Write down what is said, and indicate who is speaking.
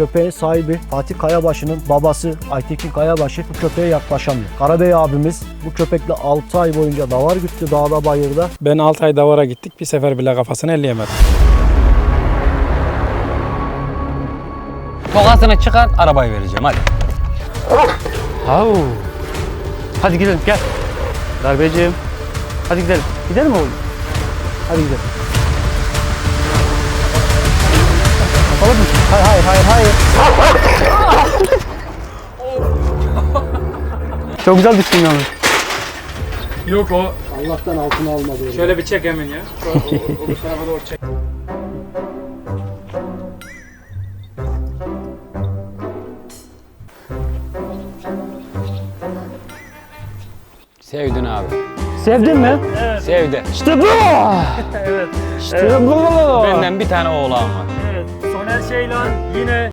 Speaker 1: köpeğin sahibi Fatih Kayabaşı'nın babası Aytekin Kayabaşı bu köpeğe yaklaşamıyor. Karabey abimiz bu köpekle 6 ay boyunca davar güttü dağda bayırda.
Speaker 2: Ben 6 ay davara gittik. Bir sefer bile kafasını elleyemedim.
Speaker 3: Tokasını çıkar, arabayı vereceğim hadi.
Speaker 4: Au. Hadi gidelim gel. Darbeciğim. Hadi gidelim. Gidelim oğlum. Hadi gidelim. Kapalı mı? Hayır. Çok güzel düştün yalnız.
Speaker 2: Yok o.
Speaker 1: Allah'tan altına almadı.
Speaker 2: Şöyle bir çek hemen ya. O tarafa doğru çek.
Speaker 3: Sevdin abi.
Speaker 4: Sevdin mi?
Speaker 3: Sevdi.
Speaker 4: İşte bu.
Speaker 2: Evet.
Speaker 4: İşte bu.
Speaker 3: Benden bir tane oğlan var.
Speaker 2: Evet. Soner Şeylan yine